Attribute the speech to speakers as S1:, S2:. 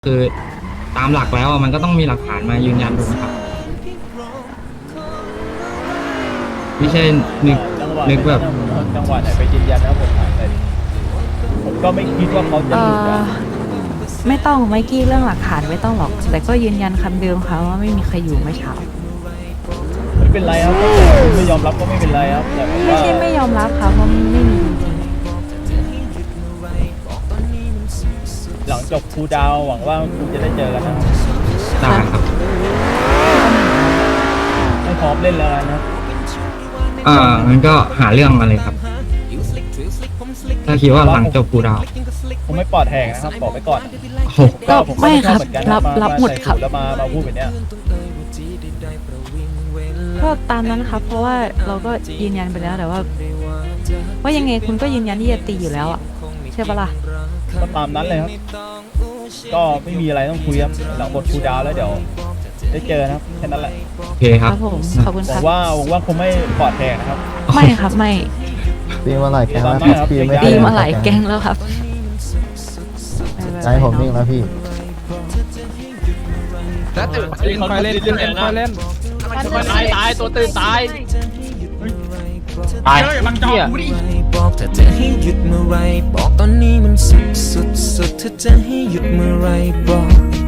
S1: คือตามหลักแล้วมันก็ต้องมีหลักฐานมายืนยันถูกไหมครับไม่ใช่นึกแบบ
S2: จังหวะไหนไปยืนยันนะผมถามแต่ผมก็ไม่คิดว่าเขาจะหลุดนะ
S3: ไม่ต้องไมกี้เรื่องหลักฐานไม่ต้องหรอก แต่ก็ยืนยันคำเดิมค่ะว่าไม่มีใครอยู่เมื่อเช้า
S2: ไม่เป็นไรครับไม่ยอมรับก็ไม่เป็นไรครับแต่
S3: ไม่
S2: ว่า
S3: ใช่ไม่ยอมรับค่ะเพราะไม่มีจริง
S2: หลังจบครูดาวหวังว่าคุณจะได้เจอกันนะ
S1: ได้ครับ
S2: ไม่พร้อมเล่นแล้วนะ
S1: มันก็หาเรื่องมาเลยครับ ถ้าคิดว่าหลังจบกูดาว
S2: ผมไม่ปลอดแหกนะครับบอกไปก่อน
S1: โอ้โห
S3: ก็ไม่ครับ
S2: เหมือนกัน
S3: รับหมดครับ
S2: แล้วมาพูดแบบเนี้ย
S3: ก็ตามนั้นครับเพราะว่าเราก็ยืนยันไปแล้วแต่ว่ายังไงคุณก็ยืนยันที่จะตีอยู่แล้วอ่ะใช่ปะล่ะ
S2: ก็ตามนั้นเลยครับก็ไม่มีอะไรต้องคุยครับหลังบทครูดาวแล้วเดี๋ยวได้เจอนะครับแค่นั้นแหละ
S1: โอเคครับ
S3: ผมขอบคุณ
S2: ห
S3: ค
S2: วั
S3: รับ
S2: งว่าคงไม่ปลอดแหกนะครับ
S3: ไม่ครับไม่
S4: ตีมาหลายแก๊งแล้ว
S2: ตามนั้นครับ
S4: พี่ไม่
S3: ตีมาหลายแก๊งแล้วครับ
S4: ใจผมนิ่งแล้วพี่
S5: แล้วตื่นคอยเล่นคอยเล่นตายตัวตื่นตาย
S1: ตาย
S5: มันเหี้ย
S6: บอกถ้าจะให้หยุดเมื่อไรบอกตอนนี้มันสุดถ้าจะให้หยุดเมื่อไรบอก